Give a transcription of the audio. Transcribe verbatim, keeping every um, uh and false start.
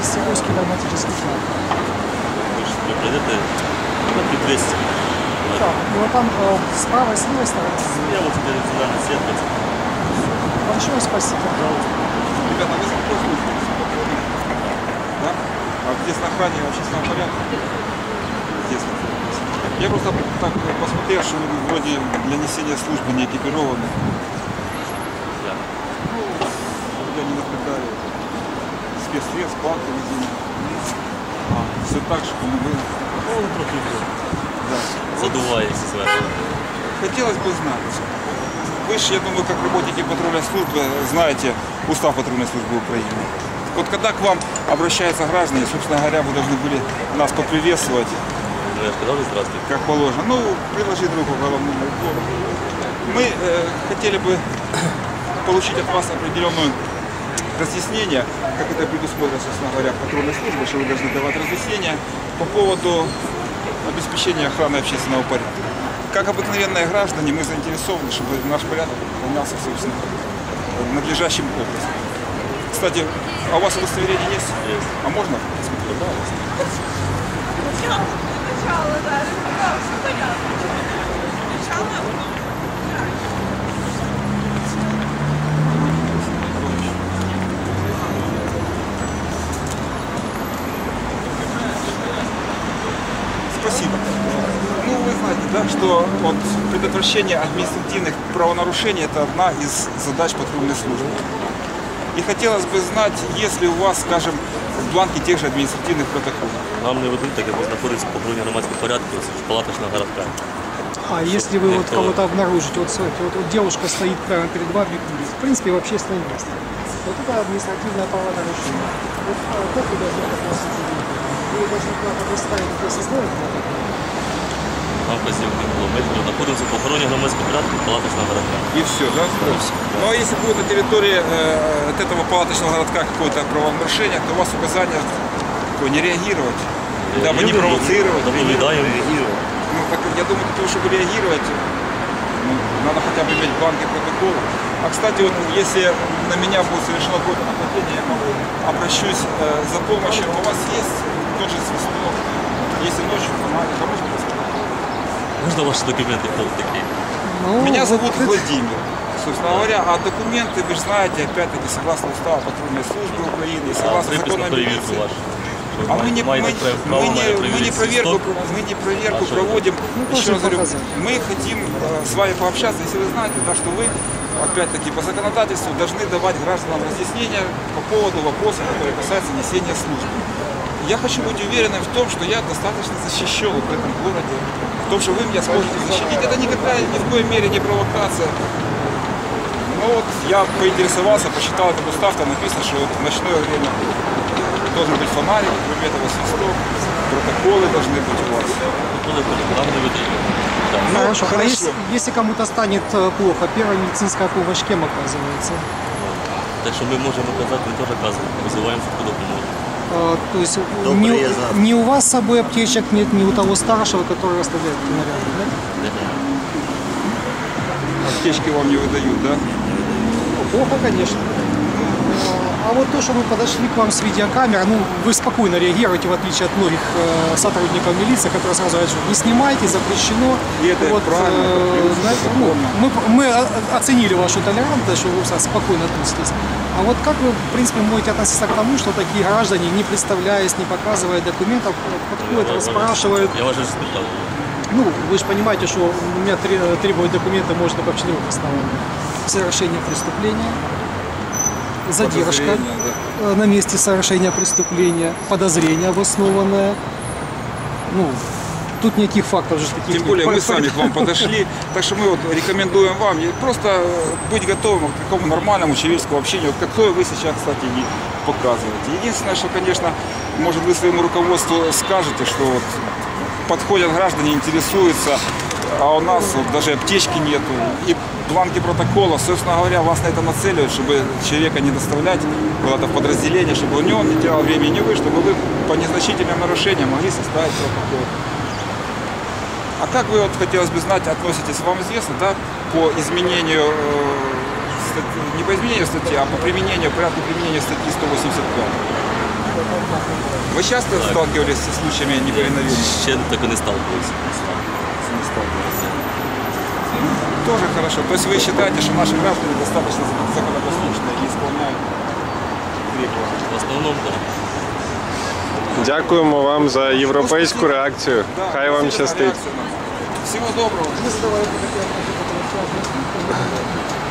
двести русский пневматический флаг. Вы пройдете метрів двести. Так, ну а там э, с правой, с левой стороны. Я вот теперь зеленый свет. Большое спасибо. Ребята, вы запросите? Да? А здесь на охране общественного порядка? Здесь. Я просто так посмотрел, что вы вроде для несения службы не экипированы. Да. Я не наблюдаю спецсредств, планки везения. А, все так же, как было. Ну, трохи Да. задувається зверху. Хотелось бы знать. Вы же, я думаю, как работники патрульной службы, знаете устав патрульной службы Украины. Вот когда к вам обращаются граждане, собственно говоря, вы должны были нас поприветствовать, Ну, я ж казав, здравствуйте. как положено. Ну, приложить руку к головному убору. Мы э, хотели бы получить от вас определенное разъяснение, как это предусмотрено, собственно говоря, в патрульной службе, что вы должны давать разъяснения по поводу обеспечения охраны общественного порядка. Как обыкновенные граждане, мы заинтересованы, чтобы наш порядок выполнялся, собственно, надлежащим образом. Кстати, а у вас удостоверение есть? Есть. А можно? Начало, да, да, все понятно. Начало, Спасибо. Ну, вы знаете, да, что вот предотвращение административных правонарушений – это одна из задач патрульной службы. И хотелось бы знать, есть ли у вас, скажем, бланки тех же административных протоколов. Нам не ведуть, так як ви знаходитесь в охороні громадського порядку в палаточного городка. А если вы вот Это- кого-то обнаружите, вот смотрите, вот, вот девушка стоит прямо перед вами и курит, в принципе, в общественном месте. Вот это административное правонарушение. Вот а, как вы должны относиться к этому? Вы должны куда-то доставить, где составить протокол? Нам вказівки було. Ми знаходимося в охороні громадського порядку палаточного городка. И все, да? Ну, а если будет на территории э, от этого палаточного городка какое-то правонарушение, то у вас указание такое, не реагировать, дабы не провоцировать. Наблюдаємо. Ну, так, я думаю, для того, чтобы реагировать, ну, надо хотя бы иметь бланки протокола. А, кстати, вот если на меня будет совершено какое-то нападение, я могу обращусь э, за помощью. У вас есть тот же свисток, если ночью фонарик, а можно посмотреть? Можна ваші документи, хто ви такі? Ну, Меня вот зовут это- Владимир. Собственно говоря, а документы, вы же знаете, опять-таки, согласно уставу патрульной службы Украины, и согласно Припис закону на о перевірку милиции. вашу. А мы не, мы, мы не, мы не проверку, мы не проверку А что? проводим. Ну, Еще тоже раз говорю, показать. мы хотим э, с вами пообщаться, если вы знаете, да, что вы, опять-таки, по законодательству должны давать гражданам разъяснения по поводу вопросов, которые касаются несения службы. Я хочу быть уверенным в том, что я достаточно защищен в этом городе, в том, что вы меня сможете защитить. Это никакая, ни в коей мере не провокация. Но вот я поинтересовался, почитал этот устав, там написано, что вот в ночное время должен быть фонарик, кроме этого свисток, протоколы должны быть у вас. Нам не ведуть. Так. Ну, Хорошо. А хорошо. если, если кому-то станет э, плохо, первая медицинская помощь кем оказывается? Так що ми можемо казати, ми теж казуємо, визиваємо швидку допомогу. Э, то есть До не, приезда. не у вас с собой аптечек нет, ни у того старшего, который оставляет наряды, да? Аптечки вам не выдают, да? Ну, плохо, конечно. А вот то, что мы подошли к вам с видеокамеры, ну, вы спокойно реагируете, в отличие от многих э, сотрудников милиции, которые сразу говорят, что не снимайте, запрещено. И это правильно, это плюс, знаете, это ну, законно. мы, мы о- оценили вашу толерантность, что вы спокойно относитесь. А вот как вы, в принципе, можете относиться к тому, что такие граждане, не представляясь, не показывая документов, подходят, расспрашивают? Я вас же спитав. Ну, вы же понимаете, что у меня тре- требовать документы можно по четырем основаниям. Совершение преступления, задержка Подозрение, да. э, на месте совершения преступления, подозрение обоснованное. Ну, тут никаких фактов же таких Тем нет. более мы По- сами к вам подошли, так что мы вот рекомендуем вам просто быть готовым к такому нормальному человеческому общению, вот какое вы сейчас, кстати, и показываете. Единственное, что, конечно, может вы своему руководству скажете, что вот подходят граждане, интересуются, а у нас вот даже аптечки нету, и бланки протокола, собственно говоря, вас на это нацеливают, чтобы человека не доставлять куда-то в подразделение, чтобы у него не терял времени, не вы, чтобы вы по незначительным нарушениям могли составить протокол. А как вы, вот, хотелось бы знать, относитесь, вам известно, да, по изменению, э, статьи, не по изменению статьи, а по применению, порядку применения статьи сто восемьдесят пять? Вы часто сталкивались с случаями неповиновения? Ще так і не сталкивався. Не сталкивались. Тоже хорошо. То есть вы считаете, что наши граждане достаточно законопослушные и исполняют требования? В основному, так. Дякуємо вам за європейську реакцію. Да, Хай вам спасибо за щастить. реакцию. Всего доброго. Мы задавали такие вопросы, которые связаны с